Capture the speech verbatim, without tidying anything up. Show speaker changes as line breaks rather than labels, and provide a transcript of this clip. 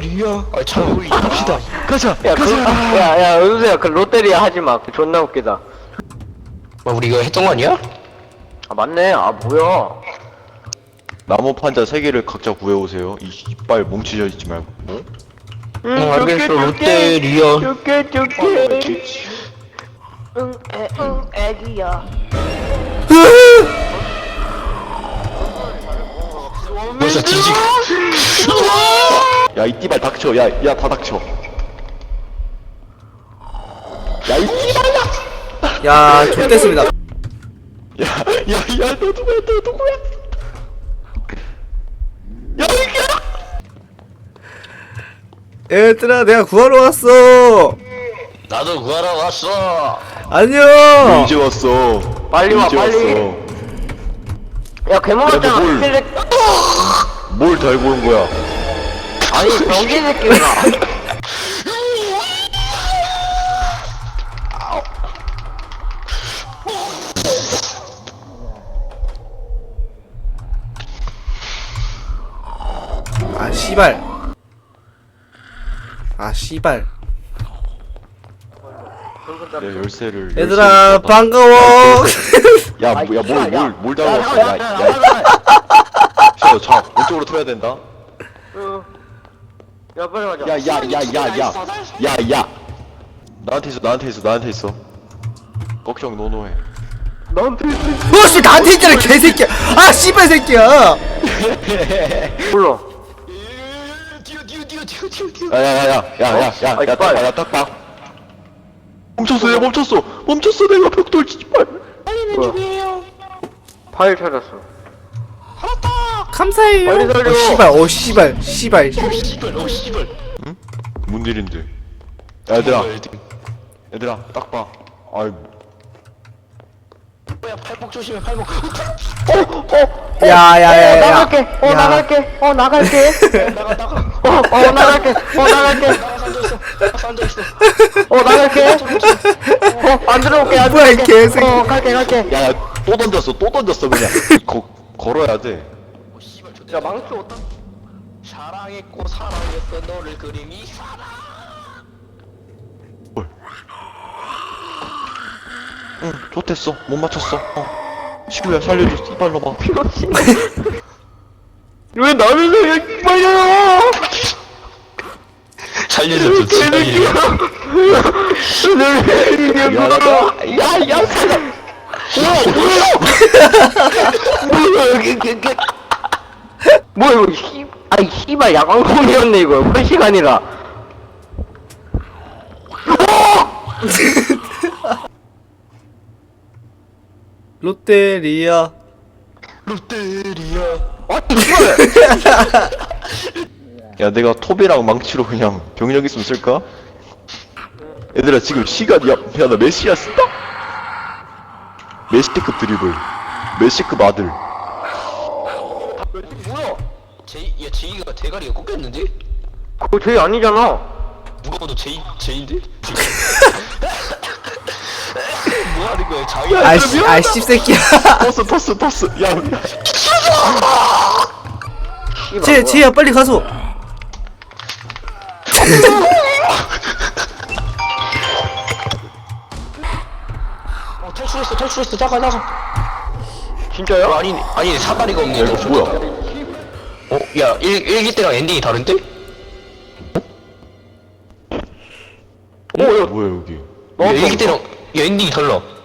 롯데리아. 아, 참, 우리 갑시다. 가자.
야, 그,
가자.
야, 야, 은수야, 그 롯데리아 하지 마. 그 존나 웃기다.
뭐 우리 이거 했던 거 아니야?
아, 맞네. 아, 뭐야.
나무 판자 세 개를 각자 구해오세요. 이 이빨 뭉치져 있지 말고. 응?
응,
응, 알겠어. 롯데리아.
줄게, 줄게. 응, 애, 응, 애기야.
벌써 뒤지.
야, 이 띠발 닥쳐. 야, 야, 다 닥쳐. 야, 이 띠발야.
야, 좋댔습니다.
야, 야, 야, 너 누구야? 너 누구야? 야, 이게.
얘들아, 내가 구하러 왔어.
나도 구하러 왔어.
안녕.
이제 왔어.
빨리 와,
이제
빨리.
왔어.
야, 괴물었잖아.
뭘.
힐렉.
뭘 달고 온 거야?
아니, 병신 새끼가.
아, 씨발. 아, 씨발.
내 열쇠를.
얘들아,
열쇠를
반가워.
야, 뭐, 야, 뭘, 뭘, 뭘 달고 왔어? 야, 야, 야. 자, 자, 왼쪽으로 틀어야 된다.
야, 빨리 가자.
야, 야, 야, 야, 야, 야, 야. 나한테 있어, 나한테 있어, 나한테 있어. 걱정 노노해.
너한테
어, 씨, 나한테 있잖아, 개새끼야. 아, 씨발 새끼야.
불러.
뛰어 뛰어 뛰어 뛰어 뛰어 뛰어.
야, 야, 야, 야, 야, 야, 야,
아이,
야, 딱
빨리.
봐, 야, 딱 봐. 멈췄어, 내가 멈췄어, 멈췄어, 내가 벽돌 씨발.
뭐야? 파일 찾았어.
감사해요.
빨리 살려.
어, 씨발, 어, 씨발, 씨발.
씨발, 어 씨발.
뭔 일인데? 야, 얘들아, 얘들아, 딱 봐. 아이,
뭐야, 팔복 조심해, 팔복.
어,
야, 야, 야, 야.
나갈게. 어,
야.
나갈게. 어, 나갈게.
나가 나가.
어, 어, 나갈게. 어, 나갈게.
나가 앉아 있어. 나가 앉아 있어.
어, 나갈게. 어, 안 들어올게. 안
뭐야, 이
들어올게.
개새끼.
어, 갈게, 갈게.
야, 야, 또 던졌어, 또 던졌어, 그냥. 거, 걸어야 돼.
어 씨발,
야, 망치 어디다?
사랑했고 사랑했어 너를 그림이 사랑.
뭘? 응, 좋댔어. 못 맞췄어. 어. 시구야, 살려줘. 이발로 봐.
왜 나를 살려, 이빨려!
살려줬어 진짜.
미안하다.
야, 야, 살려! 뭐야, 이게, 이게, 이게. 뭐야, 이거, 씨, 아이, 씨발, 야광공이었네, 이거. 훨씬 아니라.
롯데리아.
롯데리아.
아, 이걸!
야, 내가 톱이랑 망치로 그냥 병력 있으면 쓸까? 얘들아, 지금 시간, 야, 야, 나 메시아 쓴다? 메시급 드리블. 메시급 아들.
뭐야? 제이, 야 제이가 대가리가 꺾였는데?
그거 제이 아니잖아.
누가 봐도 제이 제인데? 뭐 하는 거야? 자기.
아, 씨, 아, 씹새끼야.
토스, 토스, 토스. 야, 야.
씨발,
쟤,
뭐야.
쟤야, 빨리 가서.
어 탈출했어 탈출했어 나가 나가.
진짜요?
어, 아니 아니 사다리가 없네.
야, 이거 뭐야?
어, 야, 일, 일기 때랑 엔딩이 다른데?
어, 뭐야, 여기.
야, 일기 때랑 야, 엔딩이 달라.